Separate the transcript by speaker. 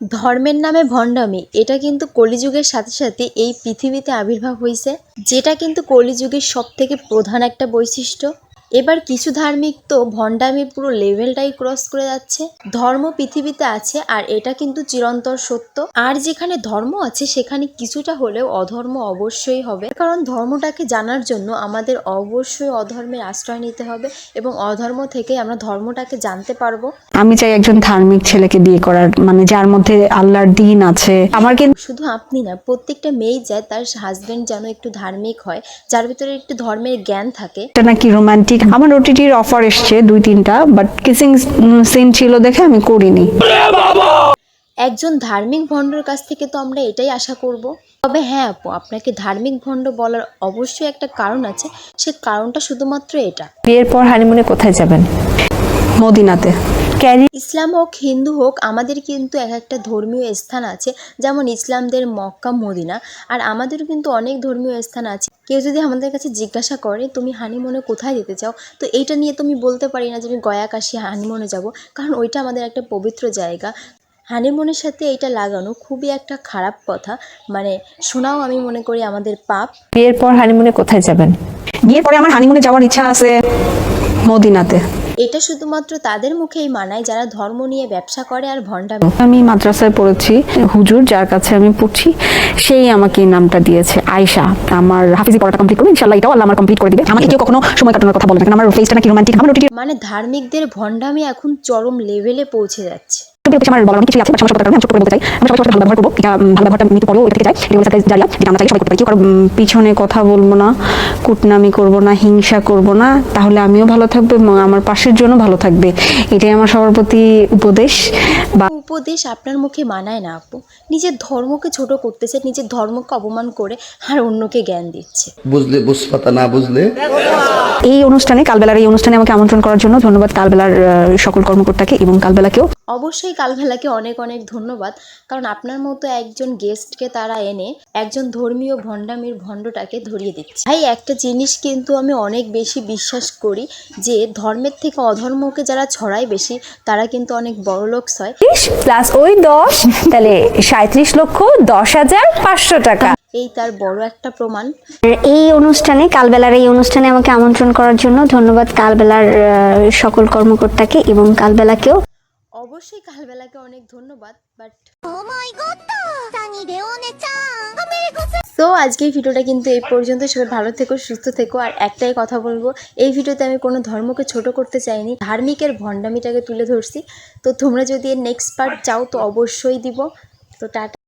Speaker 1: ধর্মের নামে ভণ্ডামি এটা কিন্তু কলিযুগের সাথে সাথে এই পৃথিবীতে আবির্ভাব হয়েছে, যেটা কিন্তু কলিযুগের সবথেকে প্রধান একটা বৈশিষ্ট্য। এবার কিছু ধার্মিক তো ভণ্ডামির পুরো লেভেলটাই ক্রস করে যাচ্ছে। ধর্ম পৃথিবীতে আছে আর এটা কিন্তু চিরন্তর সত্য। আর যেখানে ধর্ম আছে সেখানে কিছুটা হলেও অধর্ম অবশ্যই হবে, কারণ ধর্মটাকে জানার জন্য আমাদের অবশ্যই অধর্মের আশ্রয় নিতে হবে এবং অধর্ম থেকে আমরা ধর্মটাকে জানতে পারবো।
Speaker 2: আমি চাই একজন ধার্মিক ছেলেকে বিয়ে করার, মানে যার মধ্যে আল্লাহর দ্বীন আছে। আমার কিন্তু
Speaker 1: শুধু আপনি না, প্রত্যেকটা মেয়েই চায় তার হাজবেন্ড যেন একটু ধার্মিক হয়, যার ভিতরে একটু ধর্মের জ্ঞান থাকে।
Speaker 2: এটা নাকি রোমান্টিক। আমার ওটিটির অফার এসছে 2-3টা, বাট কিসিং সিন ছিল দেখে আমি করিনি।
Speaker 1: একজন ধার্মিক ভণ্ডর কাছ থেকে তো আমরা এটাই আশা করব। তবে হ্যাঁ আপু, আপনাকে ধার্মিক ভণ্ড বলার অবশ্যই একটা কারণ আছে, সে কারণটা শুধুমাত্র এটা।
Speaker 3: বিয়ের পর হানিমুনে কোথায় যাবেন?
Speaker 2: মদিনাতে।
Speaker 1: ইসলাম হোক হিন্দু হোক, আমাদের কিন্তু এক একটা ধর্মীয় স্থান আছে। যেমন ইসলামদের মক্কা মদিনা, আর আমাদেরও কিন্তু অনেক ধর্মীয় স্থান আছে। কেউ যদি আমাদের কাছে জিজ্ঞাসা করে তুমি হানিমুনে কোথায় যেতে চাও, তো এইটা নিয়ে তুমি বলতে পারি না যে আমি গয়া কাশী হানিমুনে যাব, কারণ ওইটা আমাদের একটা পবিত্র জায়গা। হানিমুনের সাথে এইটা লাগানো খুবই একটা খারাপ কথা, মানে শোনাও আমি মনে করি আমাদের পাপ।
Speaker 3: বিয়ের পর হানিমুনে কোথায় যাবেন?
Speaker 2: বিয়ের পরে আমার হানিমুনে যাওয়ার ইচ্ছা আছে মদিনাতে।
Speaker 1: এটা শুধুমাত্র তাদের মুখেই মানায় যারা ধর্ম নিয়ে ব্যবসা করে আর ভণ্ডামি।
Speaker 2: আমি মাদ্রাসায় পড়েছি, হুজুর যার কাছে আমি পড়ছি সেই আমাকে এই নামটা দিয়েছে, আয়েশা। আমার হাফিজি পড়াটা কমপ্লিট করবো ইনশাআল্লাহ, এটাও আল্লাহ আমার কমপ্লিট করে দিবে। আমাকে কেউ কখনো সময় কাটানোর কথা বলবে না, আমার ফেসটা নাকি রোমান্টিক। আমার ওটিটি
Speaker 1: মানে ধার্মিকদের ভণ্ডামি এখন চরম লেভেলে পৌঁছে যাচ্ছে।
Speaker 2: আমার বলার অনেক কিছু আছে, বাট সমস্যার কারণে আমি ছোট করে বলতে চাই। আমরা সবাই ভালো ব্যবহার করবো, এটা ভালো ব্যবহারটা মৃত্যু পরেও এটা থেকে যায়। এটা হলো সারপ্রাইজ জারিয়া, যেটা আমরা চাই সবাই করতে পারি। কেউ কারো পিছনে কথা বলবো না, কুটনামি করবো না, হিংসা করবো না, তাহলে আমিও ভালো থাকবো এবং আমার পাশের জন্য ভালো থাকবে। এটাই আমার সবার প্রতি উপদেশ। বা
Speaker 1: উপদেশ আপনার মুখে মানায় না আপু। নিজের ধর্মকে ছোট করতেছে, নিজের ধর্মকে অপমান করে আর অন্যকে জ্ঞান দিচ্ছে।
Speaker 4: বুঝলে বুঝপাতা, না বুঝলে
Speaker 2: এই অনুষ্ঠানে, কালবেলার এই অনুষ্ঠানে আমাকে আমন্ত্রণ করার জন্য ধন্যবাদ কালবেলার সকল কর্মকর্তাকে এবং কালবেলাকেও।
Speaker 1: অবশ্যই কালবেলাকে অনেক অনেক ধন্যবাদ, কারণ আপনার মতো একজন গেস্টকে তারা এনে একজন ধর্মীয় ভণ্ডামির ভণ্ডটাকে ধরিয়ে দিচ্ছে। ভাই একটা জিনিস কিন্তু আমি অনেক বেশি বিশ্বাস করি, যে ধর্মের থেকে অধর্মকে যারা ছড়ায় বেশি, তারা কিন্তু অনেক বড়লোক হয়।
Speaker 3: প্লাস ওই 10, তাহলে 37,10,500 টাকা।
Speaker 1: এই তার বড় একটা প্রমাণ।
Speaker 5: এই অনুষ্ঠানে, কালবেলার এই অনুষ্ঠানে আমাকে আমন্ত্রণ করার জন্য ধন্যবাদ কালবেলার সকল কর্মকর্তাকে এবং কালবেলাকেও।
Speaker 1: অবশ্যই কালবেলাকে অনেক ধন্যবাদ। বাট সো আজকের ভিডিওটা কিন্তু এই পর্যন্ত। সবাই ভালো থেকো, সুস্থ থেকো। আর একটাই কথা বলবো, এই ভিডিওতে আমি কোনো ধর্মকে ছোট করতে চাইনি, ধার্মিকের ভণ্ডামিটাকে তুলে ধরছি। তো তোমরা যদি এর নেক্সট পার্ট চাও তো অবশ্যই দিব। তো টাটা।